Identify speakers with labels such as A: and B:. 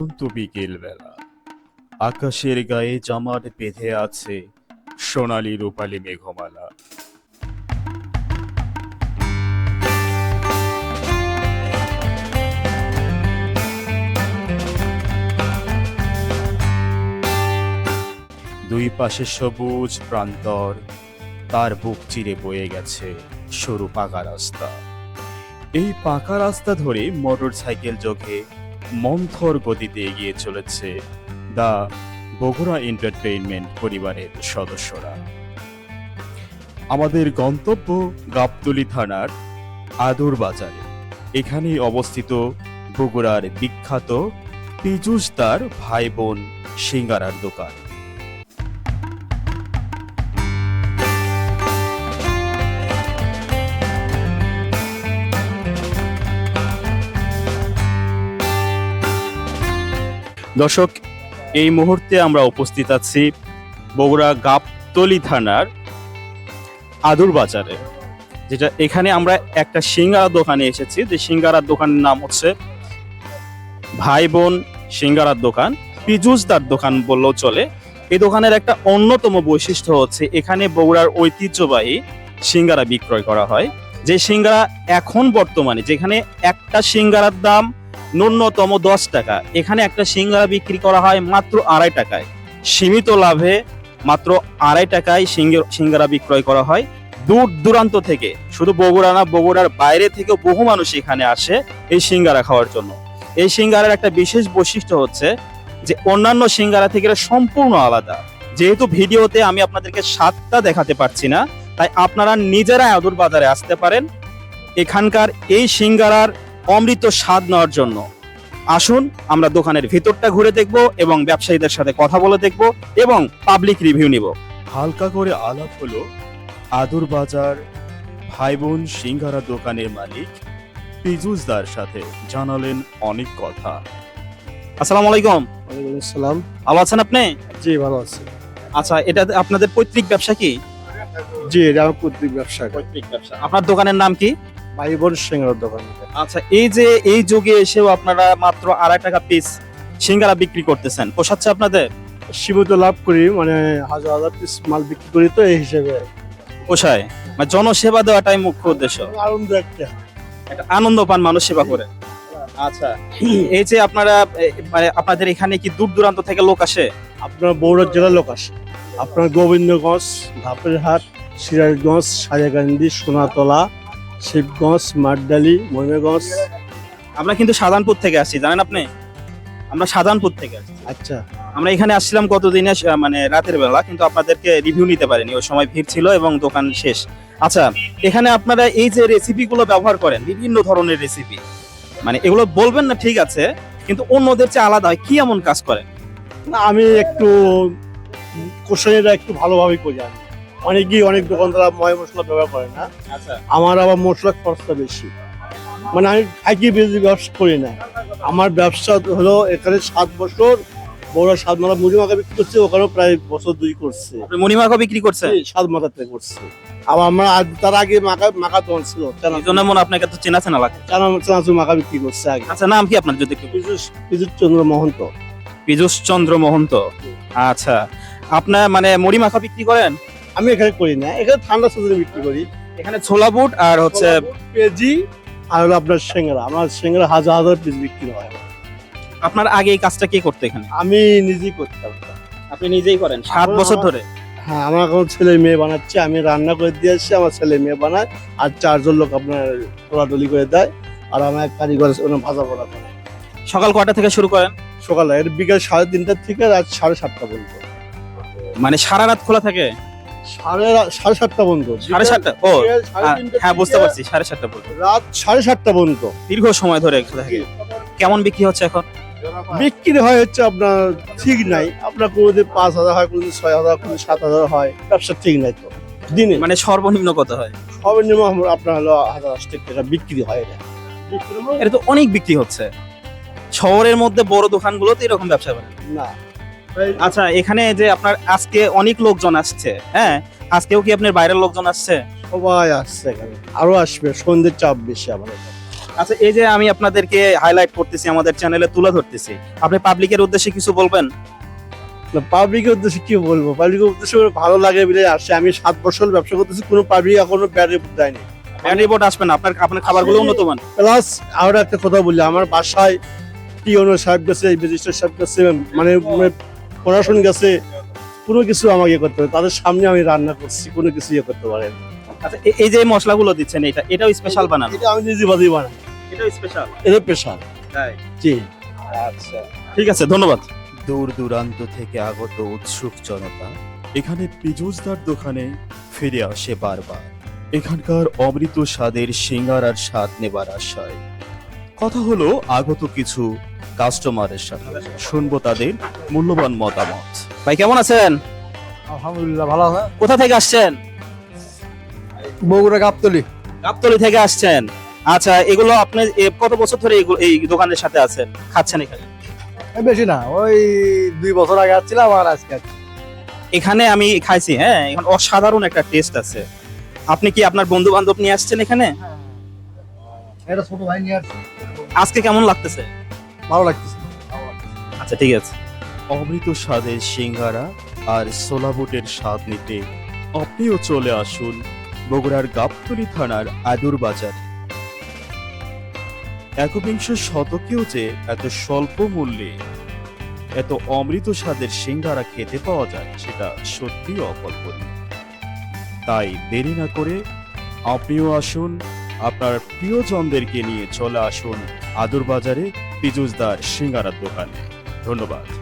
A: তো বিকেল বেলা আকাশের গায়ে জামাট বেঁধে আছে সোনালী রূপালী মেঘমালা। দুই পাশে সবুজ প্রান্তর, তার বুক চিরে বয়ে গেছে সরু পাকা রাস্তা। এই পাকা রাস্তা ধরে মোটর সাইকেল যোগে মন্থর গতিতে এগিয়ে চলেছে দা বগুড়া এন্টারটেইনমেন্ট পরিবারের সদস্যরা। আমাদের গন্তব্য গাবতলী থানার আদুর বাজারে। এখানেই অবস্থিত বগুড়ার বিখ্যাত পীযূষদার ভাই বোন সিঙ্গারার দোকান। দর্শক, এই মুহূর্তে আমরা উপস্থিত আছি বগুড়া গাবতলী থানার আদুর বাজারে, যেটা এখানে আমরা একটা সিঙ্গারা দোকানে এসেছি। যে সিঙ্গারার দোকানের নাম হচ্ছে ভাই বোন সিঙ্গারার দোকান, পীযূষদার দোকান বললেও চলে। এই দোকানের একটা অন্যতম বৈশিষ্ট্য হচ্ছে এখানে বগুড়ার ঐতিহ্যবাহী সিঙ্গারা বিক্রয় করা হয়। যে সিঙ্গারা এখন বর্তমানে যেখানে একটা সিঙ্গারার দাম ন্যূনতম 10 টাকা, এখানে একটা সিঙ্গারা বিক্রি করা হয় মাত্র 2.5 টাকায়। সীমিত লাভে মাত্র 2.5 টাকায় সিঙ্গারা বিক্রয় করা হয়। দূর দূরান্ত থেকে, শুধু বগুড়া না, বগুড়ার বাইরে থেকে বহু মানুষ এখানে আসে এই সিঙ্গারা খাওয়ার জন্য। এই সিঙ্গারার একটা বিশেষ বৈশিষ্ট্য হচ্ছে যে অন্যান্য সিঙ্গারা থেকে এটা সম্পূর্ণ আলাদা। যেহেতু ভিডিওতে আমি আপনাদেরকে স্বাদটা দেখাতে পারছি না, তাই আপনারা নিজেরা আদুর বাজারে আসতে পারেন এখানকার এই সিঙ্গারার অমৃত স্বাদ নেওয়ার জন্য। আসুন আমরা দোকানের ভিতরটা ঘুরে দেখব এবং ব্যবসায়ীদের সাথে কথা বলে দেখব এবং পাবলিক রিভিউ নিব। হালকা করে আলাপ হলো আদুর বাজার ভাই বোন সিঙ্গারা দোকানের মালিক পীযূষদার সাথে। জানালেন অনেক কথা। আসসালামু আলাইকুম।
B: ওয়ালাইকুম আসসালাম।
A: ভালো আছেন আপনি?
B: জি, ভালো আছি।
A: আচ্ছা, এটা আপনাদের পৈতৃক ব্যবসা কি?
B: জি, এটা আমার পৈতৃক ব্যবসা।
A: পৈতৃক ব্যবসা। আপনার দোকানের নাম কি?
B: ভাই বোন সিঙ্গারার দোকান।
A: আচ্ছা, এই যে এই যুগে এসেও আপনারা মাত্র 2.5 টাকা পিস সিঙ্গারা বিক্রি করতেছেন, পোষাচ্ছে আপনাদের?
B: সীমিত লাভ করি, মানে হাজার হাজার পিস মাল বিক্রি করি, তো এই হিসেবে
A: পোষায়। মানে জনসেবা দেওয়াটাই মুখ্য উদ্দেশ্য।
B: আনন্দ একটা
A: আনন্দ পান মানুষ সেবা করে। আচ্ছা, এই যে আপনারা মানে আপনাদের এখানে কি দূর দূরান্ত থেকে লোক আসে?
B: আপনার বগুড়া জেলার লোক আসে। আপনার গোবিন্দগঞ্জ, ধাপেরহাট, সিরাজগঞ্জ, সাজাকান্দি, সোনাতলা, শিবগঞ্জ, মাঠডালি, ময়নাগঞ্জ।
A: আমরা কিন্তু শাহজাহানপুর থেকে আসছি, জানেন আপনি? আমরা শাহজাহানপুর থেকে আসছি।
B: আচ্ছা,
A: আমরা এখানে আসছিলাম কতদিনে, মানে রাতের বেলা, কিন্তু আপনাদেরকে রিভিউ নিতে পারিনি, ওই সময় ভিড় ছিল এবং দোকান শেষ। আচ্ছা, এখানে আপনারা এই যে রেসিপি গুলো ব্যবহার করেন, বিভিন্ন ধরনের রেসিপি, মানে এগুলো বলবেন না ঠিক আছে, কিন্তু অন্যদের চেয়ে আলাদা হয় কি এমন কাজ করেন?
B: না, আমি একটু কষাইটা একটু ভালোভাবে করি। আমি অনেকেই অনেক দোকানদার ময় মশলা ব্যবহার করে না,
A: আচ্ছা,
B: আমার আবার মশলার খরচটা বেশি। মানে আমি থাকি বেশি ব্যবসা করি না। আমার ব্যবসা হলো এখানে 7 বছর বড় 7 মাথা মুড়ি মাখা বিক্রি করছে, ওখানেও প্রায় বছর 2 করছে।
A: আপনি মণিমাখা বিক্রি করছেন?
B: 7 মাথাতে করছে। আবার আমরা তার আগে মাখা দোকান ছিল,
A: এই জন্য মনে আপনাকে তো চেনা চেনা লাগে।
B: চানাচুর মাখা বিক্রি করছে আগে।
A: আচ্ছা, নাম কি আপনার যদি একটু?
B: পীযূষ চন্দ্র মহন্ত।
A: পীযূষ চন্দ্র মহন্ত। আচ্ছা, আপনার মানে মুড়ি মাখা বিক্রি করেন?
B: আমি এখানে করি না, এখানে ঠান্ডা সিজনে বিক্রি করি।
A: এখানে ছোলা বুট আর হচ্ছে
B: পেঁয়াজি আর হলো আপনার সিঙ্গারা। আমার সিঙ্গারা হাজার হাজার পিস বিক্রি হয়।
A: আপনার আগে এই কাজটা কে করতে এখানে?
B: আমি নিজেই করতাম।
A: আপনি নিজেই করেন 7 বছর ধরে?
B: হ্যাঁ, আমার এখন ছেলে মেয়ে বানাচ্ছে, আমি রান্না করে দিয়ে আসছি, আমার ছেলে মেয়ে বানায়, আর 4 জন লোক আপনার তোলাটুলি করে দেয়, আর আমার এক কারিগর ভাজা পোড়া করে।
A: সকাল কয়টা থেকে শুরু করেন?
B: সকালে বিকাল 3:30 থেকে রাত 7:30 পর্যন্ত।
A: মানে সারা রাত খোলা থাকে?
B: 7:30 পর্যন্ত।
A: 7:30? ও
B: বিকেল 3:30
A: হ্যাঁ, বুঝতে
B: থেকে
A: পারছি, 7:30 পর্যন্ত।
B: রাত 7:30 পর্যন্ত
A: দীর্ঘ সময় ধরে খোলা থাকে। কেমন বিক্রি হচ্ছে এখন?
B: বিক্রি হয় হচ্ছে আপনার ঠিক নাই। আপনার কোনোদিন 5,000 হয়, কোনোদিন 6,000, কোনোদিন 7,000 হয়। ব্যবসা ঠিক নাই তো দিনে।
A: মানে সর্বনিম্ন কত হয়?
B: সর্বনিম্ন আপনার হলো 1,080 টাকা বিক্রি হয়।
A: এটা তো অনেক বিক্রি হচ্ছে। শহরের মধ্যে বড় দোকানগুলোতে এরকম ব্যবসা করে
B: না।
A: আচ্ছা, এখানে যে আপনার আজকে অনেক লোকজন আসছে, হ্যাঁ, আজকেও কি আপনার বাইরের লোকজন আসছে?
B: সবাই আসছে এখানে, আরো আসবে। সন্ধ্যের চাপ বেশি আমাদের।
A: আচ্ছা, এই যে আমি আপনাদেরকে হাইলাইট করতেছি, আমাদের চ্যানেলে তুলে ধরতেছি, আপনি পাবলিকের উদ্দেশ্যে কিছু বলবেন?
B: পাবলিকের উদ্দেশ্যে কি বলবো, পাবলিকের উদ্দেশ্যে ভালো লাগে বলে আসছে। আমি 7 বছর ব্যবসা করতেছি, কোনো পাবলিক এখনো ব্যাড রিপোর্ট দেয়নি।
A: ব্যাড রিপোর্ট আসবে না, আপনার আপনার খাবারগুলো উন্নত মান।
B: প্লাস আরো একটা কথা বলি, আমার বাসায় টিওনো সাহেব গেছে, রেজিস্ট্রার সাহেব গেছে, মানে প্রশাসন গেছে, কোনো কিছু আমাকে করতে হবে, তাদের সামনে আমি রান্না করছি, কোনো কিছু ইয়ে করতে পারেন।
A: আচ্ছা, এই যে মশলাগুলো দিচ্ছেন, এটাও স্পেশাল বানানো?
B: এটা আমি নিজে বাদি বানাই,
A: এটাও স্পেশাল?
B: এটা পেশা।
A: তাই?
B: জি।
A: আচ্ছা, ঠিক আছে, ধন্যবাদ।
C: দূর দূরান্ত থেকে আগত উৎসুক জনতা এখানে পিজুসদার দোকানে ফিরে আসে বারবার। এখানকার অমৃত স্বাদের সিঙ্গারার স্বাদ নেবার আশায় কথা হলো আগত কিছু কাস্টমারের সাথে, শুনবো তাদের মূল্যবান মতামত।
A: ভাই কেমন আছেন?
B: আলহামদুলিল্লাহ ভালো আছে।
A: কোথা থেকে আসছেন?
B: বগুড়া গাবতলি।
A: গাবতলী থেকে আসছেন। আচ্ছা, এগুলো আপনি কত বছর ধরে এই দোকানের সাথে আছেন, খাচ্ছেন এখানে?
B: বেশি না, ওই 2 বছর আগে আসছিলাম আর আজকে।
A: এখানে আমি খাইছি, হ্যাঁ, এখন অসাধারণ একটা টেস্ট আছে। আপনি কি আপনার বন্ধু বান্ধব নিয়ে আসছেন এখানে?
B: এটা ছোট ভাই নিয়ে আসছে।
A: আজকে কেমন লাগতেছে?
B: ভালো লাগতেছে।
A: আচ্ছা, ঠিক আছে।
C: অমৃত স্বাদের সিঙ্গারা আর সোলাবুটের স্বাদ নিতে আপনিও চলে আসুন বগুড়ার গাবতলী থানার আদুর বাজার। একবিংশ শতকেও যে এত স্বল্প মূল্যে এত অমৃত স্বাদের সিঙ্গারা খেতে পাওয়া যায়, সেটা সত্যি অকল্পনীয়। তাই দেরি না করে আপনিও আসুন, আপনার প্রিয়জনদেরকে নিয়ে চলে আসুন আদুর বাজারে পিজুসদার সিঙ্গারার দোকানে। ধন্যবাদ।